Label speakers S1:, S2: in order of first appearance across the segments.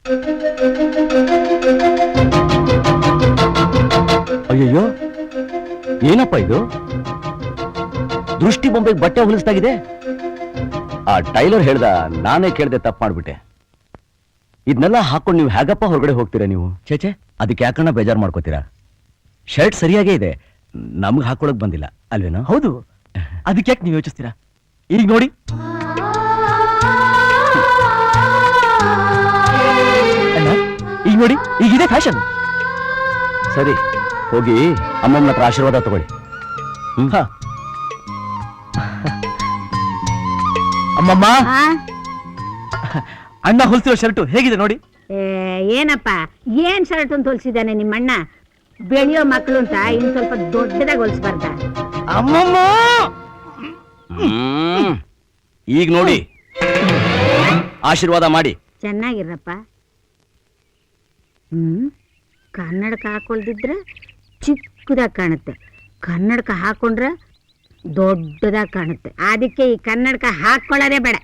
S1: ಅಯ್ಯಯ್ಯೋ, ಏನಪ್ಪ ಇದು? ದೃಷ್ಟಿ ಬೊಂಬೆಗೆ ಬಟ್ಟೆ ಹೊಲಿಸ್ತಾಗಿದೆ. ಆ ಟೈಲರ್ ಹೇಳ್ದ, ನಾನೇ ಕೇಳ್ದೆ, ತಪ್ಪು ಮಾಡ್ಬಿಟ್ಟೆ. ಇದನ್ನೆಲ್ಲ ಹಾಕೊಂಡು ನೀವು ಹೇಗಪ್ಪ ಹೊರಗಡೆ ಹೋಗ್ತೀರಾ ನೀವು? ಚೇಚೆ, ಅದಕ್ಕೆ ಯಾಕಣ್ಣ ಬೇಜಾರು ಮಾಡ್ಕೋತೀರಾ? ಶರ್ಟ್ ಸರಿಯಾಗೇ ಇದೆ, ನಮ್ಗೆ ಹಾಕೊಳಕ್ ಬಂದಿಲ್ಲ ಅಲ್ವೇನೋ?
S2: ಹೌದು, ಅದಕ್ಕೆ ಯಾಕೆ ನೀವು ಯೋಚಿಸ್ತೀರಾ? ಈಗ ನೋಡಿ, ಈಗ ನೋಡಿ, ಈಗಿದೆ ಫ್ಯಾಷನ್.
S1: ಸರಿ, ಹೋಗಿ ಅಮ್ಮಮ್ಮನ ಹತ್ರ ಆಶೀರ್ವಾದ ತಗೊಳ್ಳಿ.
S2: ಅಮ್ಮಮ್ಮ, ಅಣ್ಣ ಹೊಲ್ಸಿರೋ ಶರ್ಟು ಹೇಗಿದೆ ನೋಡಿ.
S3: ಏನಪ್ಪ, ಏನ್ ಶರ್ಟ್ ಅಂತ ಹೊಲ್ಸಿದ್ದಾನೆ ನಿಮ್ಮಣ್ಣ? ಬೆಳೆಯೋ ಮಕ್ಕಳು ಅಂತ ಇನ್ ಸ್ವಲ್ಪ ದೊಡ್ಡದಾಗಿ ಹೊಲ್ಸ್ಬಾರ್ದ?
S2: ಅಮ್ಮಮ್ಮ,
S1: ಈಗ ನೋಡಿ, ಆಶೀರ್ವಾದ ಮಾಡಿ.
S3: ಚೆನ್ನಾಗಿರಪ್ಪ. ಕನ್ನಡಕ ಹಾಕೊಳ್ದಿದ್ರೆ ಚಿಕ್ಕದಾಗಿ ಕಾಣುತ್ತೆ, ಕನ್ನಡಕ ಹಾಕೊಂಡ್ರೆ ದೊಡ್ಡದಾಗಿ ಕಾಣುತ್ತೆ. ಅದಕ್ಕೆ ಈ ಕನ್ನಡಕ ಹಾಕೊಳ್ಳೋದೇ ಬೇಡ.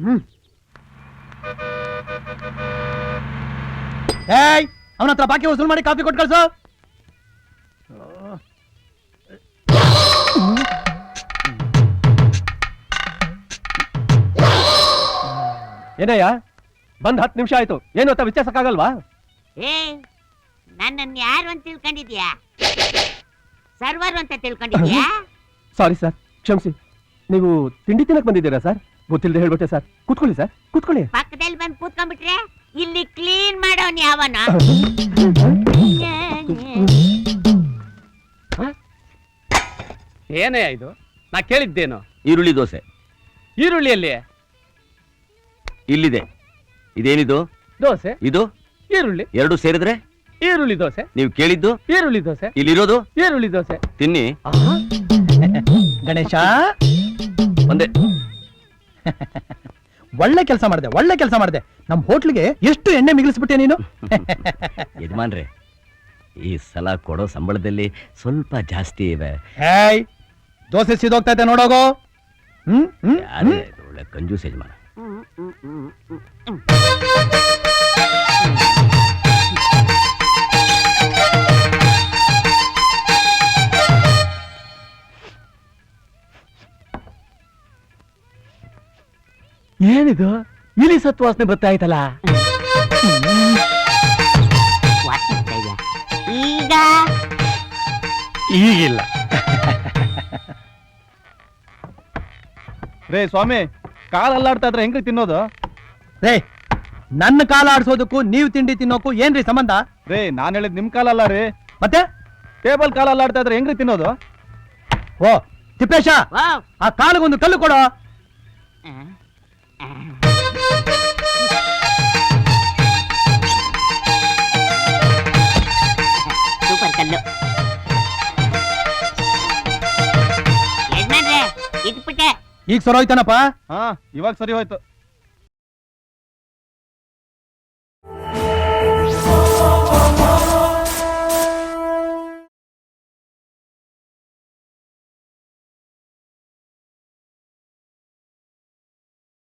S2: ಅವನ ಹತ್ರ ಬಾಕಿ ವಸೂಲ್ ಮಾಡಿ ಕಾಫಿ ಕೊಟ್ಟು ಕಳ್ಸು. ಏನಯ್ಯ, ಬಂದ್ 10 ನಿಮಿಷ ಆಯ್ತು, ಏನು ಅಂತ ವಿಚಾರಿಸಕ್ಕಾಗಲ್ವಾ?
S3: ನನ್ನನ್ನು ಯಾರು ಅಂತ ತಿಳ್ಕೊಂಡಿದ್ಯಾ? ಸರ್ವರ್ ಅಂತ ತಿಳ್ಕೊಂಡಿದ್ಯಾ?
S2: ಸಾರಿ ಸರ್, ಕ್ಷಮಿಸಿ. ನೀವು ತಿಂಡಿ ತಿನ್ನಕ್ ಬಂದಿದ್ದೀರಾ ಸರ್? ಗೊತ್ತಿಲ್ಲದೆ ಹೇಳ್ಬಿಟ್ಟೆ ಸರ್. ಕೂತ್ಕೊಳ್ಳಿ ಸರ್, ಕೂತ್ಕೊಳ್ಳಿ.
S3: ಪಕ್ಕದಲ್ಲಿ ಬಂದು ಕೂತ್ಕೊಂಡ್ಬಿಟ್ರೆ ಇಲ್ಲಿ ಕ್ಲೀನ್ ಮಾಡೋನ್ ಯಾವನ?
S4: ಏನೇ ಇದು? ನಾ ಕೇಳಿದ್ದೇನು?
S1: ಈರುಳ್ಳಿ ದೋಸೆ.
S4: ಈರುಳ್ಳಿಯಲ್ಲಿ
S1: ಇಲ್ಲಿದೆ. ಇದೇನಿದು?
S4: ದೋಸೆ.
S1: ಇದು
S4: ಈರುಳ್ಳಿ.
S1: ಎರಡು ಸೇರಿದ್ರೆ
S4: ಈರುಳ್ಳಿ ದೋಸೆ.
S1: ನೀವು ಕೇಳಿದ್ದು
S4: ಈರುಳ್ಳಿ ದೋಸೆ.
S1: ಇಲ್ಲಿರೋದು
S4: ಈರುಳ್ಳಿ ದೋಸೆ.
S1: ತಿನ್ನಿ.
S2: ಗಣೇಶ,
S1: ಒಂದೇ.
S2: ಒಳ್ಳೆ ಕೆಲಸ ಮಾಡಿದೆ, ಒಳ್ಳೆ ಕೆಲಸ ಮಾಡಿದೆ. ನಮ್ ಹೋಟ್ಲಿಗೆ ಎಷ್ಟು ಎಣ್ಣೆ ಮಿಗಿಲಿಸ್ಬಿಟ್ಟೆ ನೀನು.
S1: ಯಜಮಾನ್ರೆ, ಈ ಸಲ ಕೊಡೋ ಸಂಬಳದಲ್ಲಿ ಸ್ವಲ್ಪ ಜಾಸ್ತಿ ಇವೆ.
S2: ಹೇಯ್, ದೋಸೆ ಸಿದೋಗ್ತಾ ಇದೆ ನೋಡೋಗೋ.
S1: ಯಾರೇ ಇದು ಒಳ್ಳೆ ಕಂಜೂಸ್ ಯಜಮಾನ.
S4: ಏನಿದು? ಇಲಿ ಸತ್ತು ವಾಸನೆ ಬರ್ತಾ ಆಯ್ತಲ್ಲ.
S3: ಈಗ
S4: ಈಗಿಲ್ಲ.
S5: ರೇ ಸ್ವಾಮಿ, ಕಾಲ್ ಅಲ್ಲಾಡ್ತಾ ಇದ್ರೆ ಹೆಂಗ್ರಿ ತಿನ್ನೋದು?
S2: ರೇ, ನನ್ನ ಕಾಲ ಆಡ್ಸೋದಕ್ಕೂ ನೀವು ತಿಂಡಿ ತಿನ್ನೋಕು ಏನ್ರಿ ಸಂಬಂಧ?
S5: ರೇ, ನಾನ್ ಹೇಳಿದ್ ನಿಮ್ ಕಾಲಲ್ಲ ರೀ,
S2: ಮತ್ತೆ
S5: ಟೇಬಲ್ ಕಾಲ್ ಅಲ್ಲಾಡ್ತಾ ಇದ್ರೆ ಹೆಂಗ್ರಿ ತಿನ್ನೋದು?
S2: ಓ ತಿಪ್ಪೇಶ, ಆ ಕಾಲಿಗೊಂದು ಕಲ್ಲು ಕೊಡೋ.
S3: ಸೂಪರ್ ಕಲ್ಲು. ಯಜಮಾನ್ರೆ, ಇಟ್ಬಿಟ್ಟೆ.
S2: ಈಗ ಸರೋಯ್ತಾನಪ್ಪ.
S5: ಹಾ, ಇವಾಗ ಸರಿ ಹೋಯ್ತು.